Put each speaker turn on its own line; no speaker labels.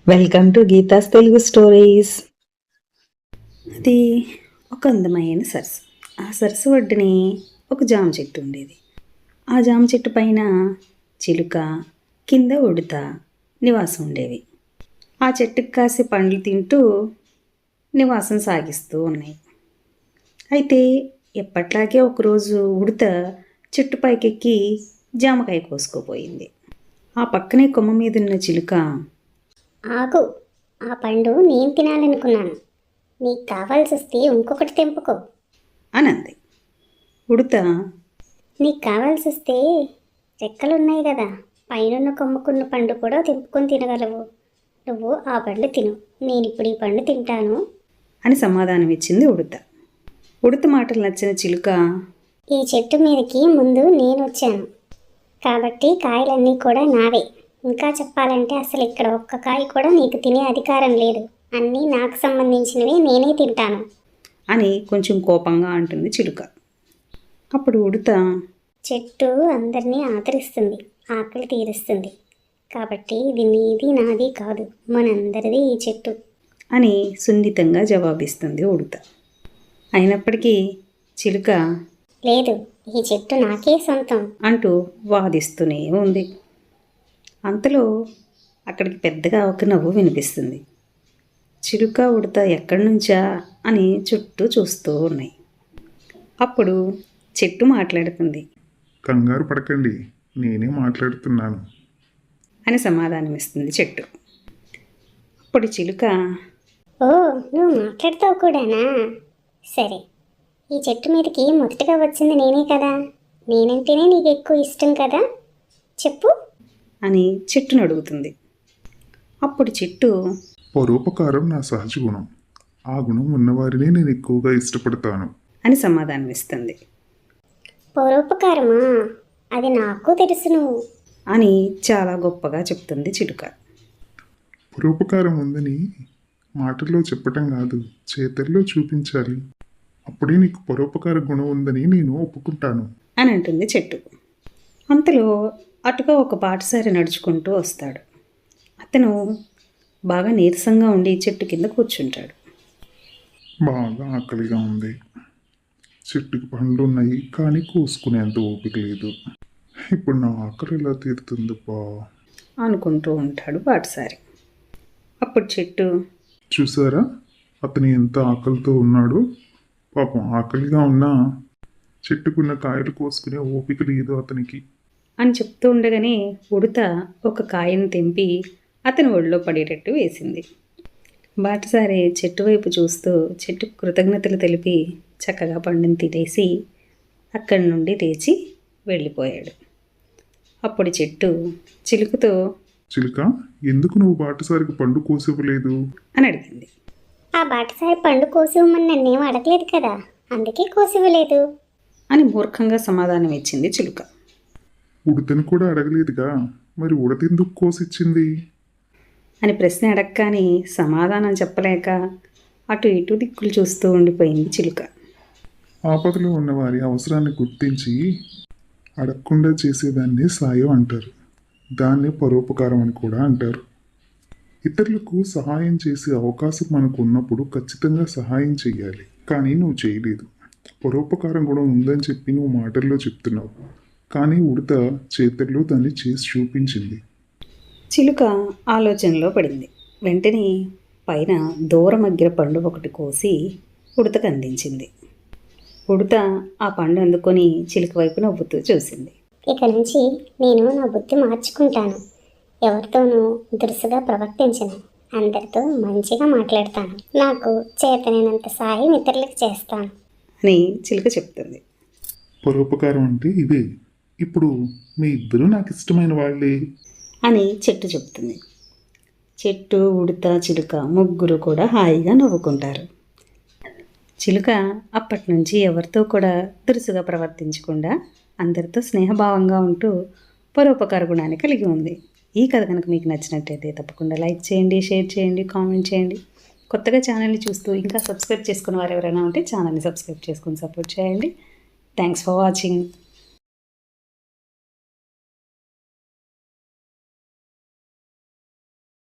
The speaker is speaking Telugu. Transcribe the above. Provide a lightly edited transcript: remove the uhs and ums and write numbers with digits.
Welcome to Geetha's Telugu stories. అది ఒక అందమైన సరస్సు. ఆ సరస్సు ఒడ్డుని ఒక జామ చెట్టు ఉండేది. ఆ జామ చెట్టు పైన చిలుక, కింద ఉడత నివాసం ఉండేవి. ఆ చెట్టుకు కాసే పండ్లు తింటూ నివాసం సాగిస్తూ ఉన్నాయి. అయితే ఎప్పట్లాగే ఒకరోజు ఉడత చెట్టు పైకెక్కి జామకాయ కోసుకోపోయింది. ఆ పక్కనే కొమ్మ మీద ఉన్న చిలుక,
ఆగు, ఆ పండు నేను తినాలనుకున్నాను, నీకు కావాల్సి వస్తే ఇంకొకటి తెంపుకో
అనంది. ఉడత,
నీకు కావాల్సి వస్తే రెక్కలున్నాయి కదా, పైనున్న కొమ్ముకున్న పండు కూడా తెంపుకొని తినగలవు. నువ్వు ఆ పండు తిను, నేను ఇప్పుడు ఈ పండు తింటాను
అని సమాధానం ఇచ్చింది ఉడత. ఉడత మాటలు నచ్చిన చిలుక,
ఈ చెట్టు మీదకి ముందు నేను వచ్చాను కాబట్టి కాయలన్నీ కూడా నావే. ఇంకా చెప్పాలంటే అసలు ఇక్కడ ఒక్క కాయ కూడా నీకు తినే అధికారం లేదు, అన్నీ నాకు సంబంధించినవి, నేనే తింటాను
అని కొంచెం కోపంగా అంటుంది చిలుక. అప్పుడు ఉడత,
చెట్టు అందరినీ ఆదరిస్తుంది, ఆకలి తీరుస్తుంది, కాబట్టి ఇది నీది నాది కాదు, మనందరిది ఈ చెట్టు
అని సున్నితంగా జవాబిస్తుంది ఉడత. అయినప్పటికీ చిలుక
లేదు, ఈ చెట్టు నాకే సొంతం
అంటూ వాదిస్తూనే ఉంది. అంతలో అక్కడికి పెద్దగా ఒక నవ్వు వినిపిస్తుంది. చిలుక, ఉడత ఎక్కడి నుంచా అని చుట్టూ చూస్తూ ఉన్నాయి. అప్పుడు చెట్టు మాట్లాడుతుంది.
కంగారు పడకండి, నేనే మాట్లాడుతున్నాను
అని సమాధానమిస్తుంది చెట్టు. అప్పుడు చిలుక,
ఓ, నువ్వు మాట్లాడతావు కూడానా? సరే, ఈ చెట్టు మీదకి మొదటగా వచ్చింది నేనే కదా, నేనంటేనే నీకు ఎక్కువ ఇష్టం కదా, చెప్పు
అని చెట్టును అడుగుతుంది. అప్పుడు చెట్టు,
పరోపకారం నా సహజ గుణం, ఆ గుణం ఉన్నవారినే నేను ఎక్కువగా ఇష్టపడతాను
అని సమాధానమిస్తుంది.
పరోపకారమా, అది నాకు తెలుసును
అని చాలా గొప్పగా చెప్తుంది చిలుక.
పరోపకారం ఉందని మాటల్లో చెప్పటం కాదు, చేతల్లో చూపించాలి, అప్పుడే నీకు పరోపకార గుణం ఉందని నేను ఒప్పుకుంటాను
అని అంటుంది చెట్టు. అంతలో అటుగా ఒక బాటసారి నడుచుకుంటూ వస్తాడు. అతను బాగా నీరసంగా ఉండి చెట్టు కింద కూర్చుంటాడు.
బాగా ఆకలిగా ఉంది, చెట్టుకి పండ్లు ఉన్నాయి కానీ కోసుకునేంత ఓపిక లేదు, ఇప్పుడు నా ఆకలి ఎలా తీరుతుంది బా
అనుకుంటూ ఉంటాడు బాటసారి. అప్పుడు చెట్టు,
చూసారా అతను ఎంత ఆకలితో ఉన్నాడు, పాపం ఆకలిగా ఉన్నా చెట్టుకున్న కాయలు కోసుకునే ఓపిక లేదు అతనికి
అని చెప్తూ ఉండగానే ఉడత ఒక కాయను తెంపి అతని ఒళ్ళో పడేటట్టు వేసింది. బాటసారి చెట్టు వైపు చూస్తూ చెట్టుకు కృతజ్ఞతలు తెలిపి చక్కగా పండుని తినేసి అక్కడి నుండి లేచి వెళ్ళిపోయాడు. అప్పుడు చెట్టు చిలుకతో,
చిలుక, ఎందుకు నువ్వు బాటసారికి పండు కోసివ్వలేదు
అని అడిగింది.
ఆ బాటసారి పండు కోసివ్వమని నన్నేం అడగలేదు కదా, అందుకే కోసివ్వలేదు
అని మూర్ఖంగా సమాధానం ఇచ్చింది చిలుక.
ఉడతను కూడా అడగలేదుగా, మరి ఉడత ఎందుకు కోసిచ్చింది
అని ప్రశ్న అడగగానే సమాధానం చెప్పలేక అటు ఇటు దిక్కులు చూస్తూ ఉండిపోయింది చిలుక.
ఆపదలో ఉన్న వారి అవసరాన్ని గుర్తించి అడగకుండా చేసేదాన్ని సాయం అంటారు, దాన్నే పరోపకారం అని కూడా అంటారు. ఇతరులకు సహాయం చేసే అవకాశం మనకు ఉన్నప్పుడు ఖచ్చితంగా సహాయం చేయాలి, కానీ నువ్వు చేయలేదు. పరోపకారం కూడా ఉందని చెప్పి నువ్వు మాటల్లో చెప్తున్నావు, కానీ ఉడత చేతుల్లో దాన్ని చేసి చూపించింది.
చిలుక ఆలోచనలో పడింది. వెంటనే పైన దూరమగ్గిర పండు ఒకటి కోసి ఉడతకు అందించింది. ఉడత ఆ పండు అందుకొని చిలుక వైపు నవ్వుతూ చూసింది.
ఇక నుంచి నేను నా బుద్ధి మార్చుకుంటాను, ఎవరితోనూ దురుసుగా ప్రవర్తించను, అందరితో మంచిగా మాట్లాడతాను, నాకు చేతనైనంత సాయం ఇతరులకు చేస్తాను
అని చిలుక చెప్తుంది.
పరోపకారం అంటే ఇదే, ఇప్పుడు మీ ఇద్దరు నాకు ఇష్టమైన వాళ్ళే
అని చెట్టు చెప్తుంది. చెట్టు, ఉడత, చిలుక ముగ్గురు కూడా హాయిగా నవ్వుకుంటారు. చిలుక అప్పటి నుంచి ఎవరితో కూడా దురుసుగా ప్రవర్తించకుండా అందరితో స్నేహభావంగా ఉంటూ పరోపకార గుణాన్ని కలిగి ఉంది. ఈ కథ కనుక మీకు నచ్చినట్టయితే తప్పకుండా లైక్ చేయండి, షేర్ చేయండి, కామెంట్ చేయండి. కొత్తగా ఛానల్ని చూస్తూ ఇంకా సబ్స్క్రైబ్ చేసుకున్న వారు ఎవరైనా ఉంటే ఛానల్ని సబ్స్క్రైబ్ చేసుకుని సపోర్ట్ చేయండి. Thanks for watching.